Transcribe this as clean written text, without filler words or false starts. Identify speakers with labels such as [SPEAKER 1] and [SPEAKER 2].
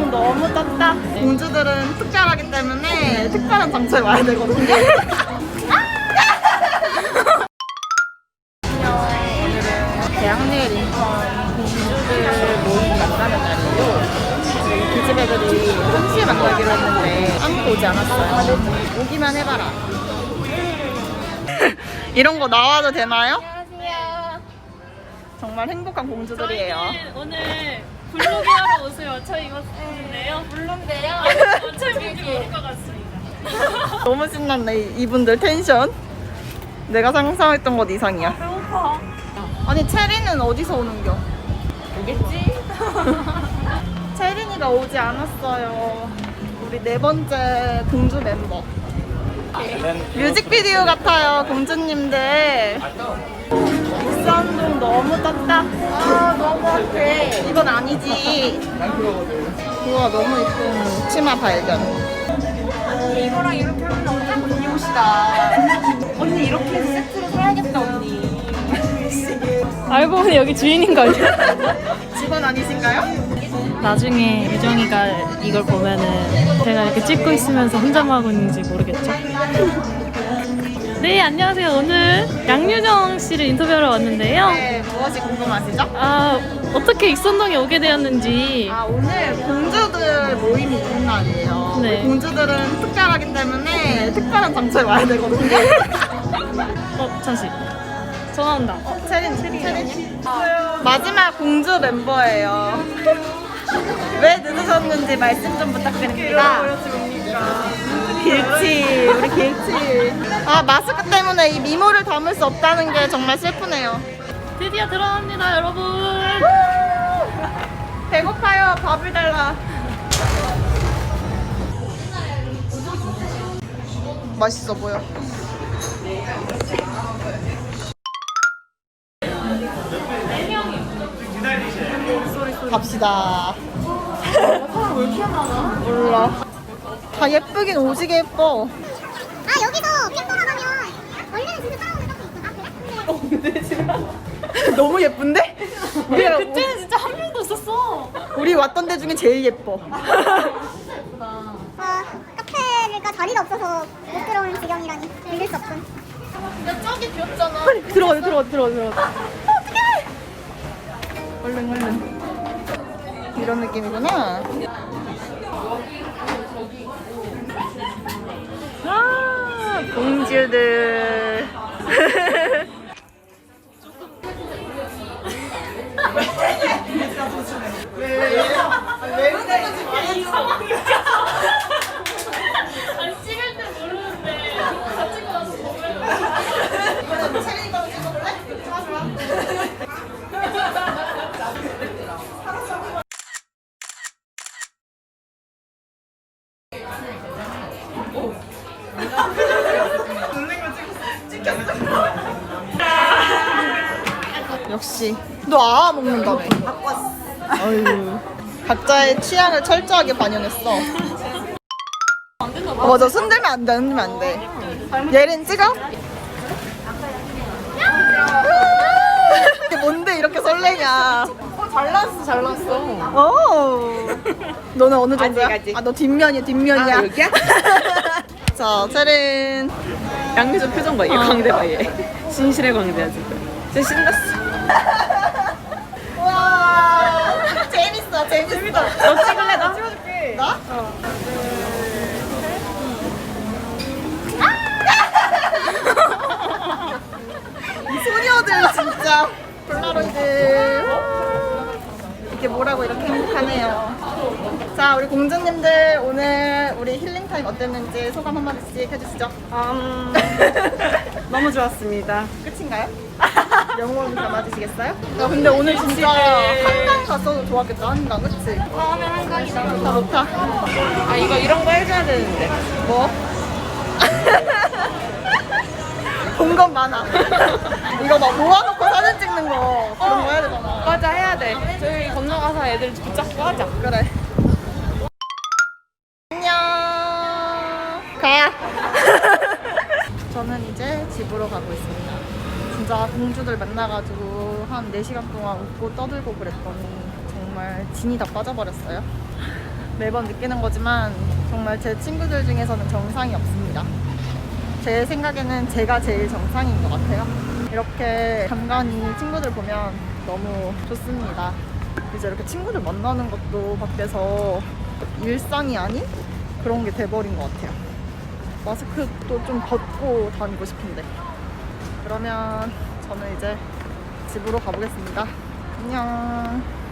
[SPEAKER 1] 좀 너무 떴다. 공주들은 특별하기 때문에 특별한 장소에 와야 되거든요. 오늘은 대학내 린턴 공주들 모임 만나는 날이에요. 기집 애들이 동시에 만나기로 했는데 아무도 오지 않았어요. 오기만 해봐라. 이런 거 나와도 되나요?
[SPEAKER 2] 안녕하세요.
[SPEAKER 1] 정말 행복한 공주들이에요.
[SPEAKER 2] 저희는 오늘 블로그 하러 옷을 맞춰 입었는데요.
[SPEAKER 1] 블루인데요.
[SPEAKER 2] 어차피 입을 것 같습니다.
[SPEAKER 1] 너무 신났네 이분들 텐션. 내가 상상했던 것 이상이야.
[SPEAKER 2] 배고파.
[SPEAKER 1] 아니 체리는 어디서 오는겨?
[SPEAKER 2] 오겠지?
[SPEAKER 1] 체린이가 오지 않았어요. 우리 네 번째 공주 멤버. 뮤직비디오 같아요 공주님들. 익산동 너무 떴다. 아 너무 핫해. 이건 아니지. 우와 너무 예쁜 치마 발견.
[SPEAKER 2] 이거랑 이렇게 하면 완전 언니 옷이다. 언니 이렇게 해서 세트로 사야겠다 언니. 알고 보니 여기 주인인 거 아니야?
[SPEAKER 1] 직원 아니신가요?
[SPEAKER 2] 나중에 유정이가 이걸 보면은 제가 이렇게 찍고 있으면서 혼자만 하고 있는지 모르겠죠? 네, 안녕하세요. 오늘 양유정 씨를 인터뷰하러 왔는데요.
[SPEAKER 1] 네, 무엇이 궁금하시죠?
[SPEAKER 2] 아, 어떻게 익선동에 오게 되었는지.
[SPEAKER 1] 아 오늘 공주들 모임이 있는 날이에요.
[SPEAKER 2] 네.
[SPEAKER 1] 공주들은 특별하기 때문에 특별한 장소에 와야 되거든요.
[SPEAKER 2] 잠시. 전화 온다.
[SPEAKER 1] 체린. 마지막 공주 멤버예요. 왜 늦으셨는지 말씀 좀 부탁드립니다. 길치, 우리 길치. 아 마스크 때문에 이 미모를 담을 수 없다는 게 정말 슬프네요.
[SPEAKER 2] 드디어 들어갑니다, 여러분.
[SPEAKER 1] 배고파요. 밥을 달라. 맛있어 보여. 갑시다. 사람 왜 이렇게 많아? 몰라. 다 예쁘긴 오지게 예뻐.
[SPEAKER 3] 아 여기서 핑 돌아가면 원래는 진짜 따라오는 적도 있어. 아 그래?
[SPEAKER 1] 너무 예쁜데?
[SPEAKER 2] 그때는 진짜 한 명도 없었어.
[SPEAKER 1] 우리 왔던 데 중에 제일 예뻐.
[SPEAKER 3] 아 카페가 자리가 없어서 못 들어오는 지경이라니 믿을 수 없군.
[SPEAKER 1] 야 저기 귀엽잖아.
[SPEAKER 2] 들어가.
[SPEAKER 1] 어떡해. 얼른. 이런 느낌이구나. 아 공주들. 왜 그러는지 말해줘.
[SPEAKER 2] 아니, 찍을 때 모르는데 다 찍고 나서
[SPEAKER 1] 이번엔 체린이 거 찍어볼래? 좋아. 역시 너 아아 먹는다며. 어휴 각자의 취향을 철저하게 반영했어. 맞아 손들면 안 돼. 흔들면 안 돼. 예린 찍어? 이게 뭔데 이렇게 설레냐. 잘 났어. 오. 너는 어느 정도야? 아 너 뒷면이야.
[SPEAKER 4] 아, 여기야?
[SPEAKER 1] 자 체린.
[SPEAKER 4] 양미정 표정 봐, 얘 광대 봐, 얘. 진실의 광대야, 지금. 진짜 신났어.
[SPEAKER 1] 와 재밌다.
[SPEAKER 4] 너 찍을래, 나?
[SPEAKER 1] 찍어줄게. 나? 이 소녀들 진짜 폴라로이드. 이게 뭐라고 이렇게 행복하네요. 자 우리 공주님들 오늘 우리 힐링타임 어땠는지 소감 한마디씩 해주시죠.
[SPEAKER 4] 너무 좋았습니다.
[SPEAKER 1] 끝인가요? 영혼 담아주시겠어요? 야 근데 오늘 진짜 한강 갔어도 좋았겠다. 한강 그치?
[SPEAKER 2] 다음에 한강이다.
[SPEAKER 1] 좋다.
[SPEAKER 4] 아, 이런 거 해줘야 되는데.
[SPEAKER 1] 뭐? 본 건 많아. 이거 막 모아놓고 사진 찍는 거 그런 거 해야 되잖아.
[SPEAKER 4] 맞아, 해야 돼. 저희 건너가서 애들 붙잡고 하자.
[SPEAKER 1] 그래. 안녕. 가. 저는 이제 집으로 가고 있습니다. 진짜 공주들 만나가지고 한 4시간 동안 웃고 떠들고 그랬더니 정말 진이 다 빠져버렸어요. 매번 느끼는 거지만 정말 제 친구들 중에서는 정상이 없습니다. 제 생각에는 제가 제일 정상인 것 같아요. 이렇게 간간히 친구들 보면 너무 좋습니다. 이제 이렇게 친구들 만나는 것도 밖에서 일상이 아닌 그런 게 돼버린 것 같아요. 마스크도 좀 벗고 다니고 싶은데. 그러면 저는 이제 집으로 가보겠습니다. 안녕.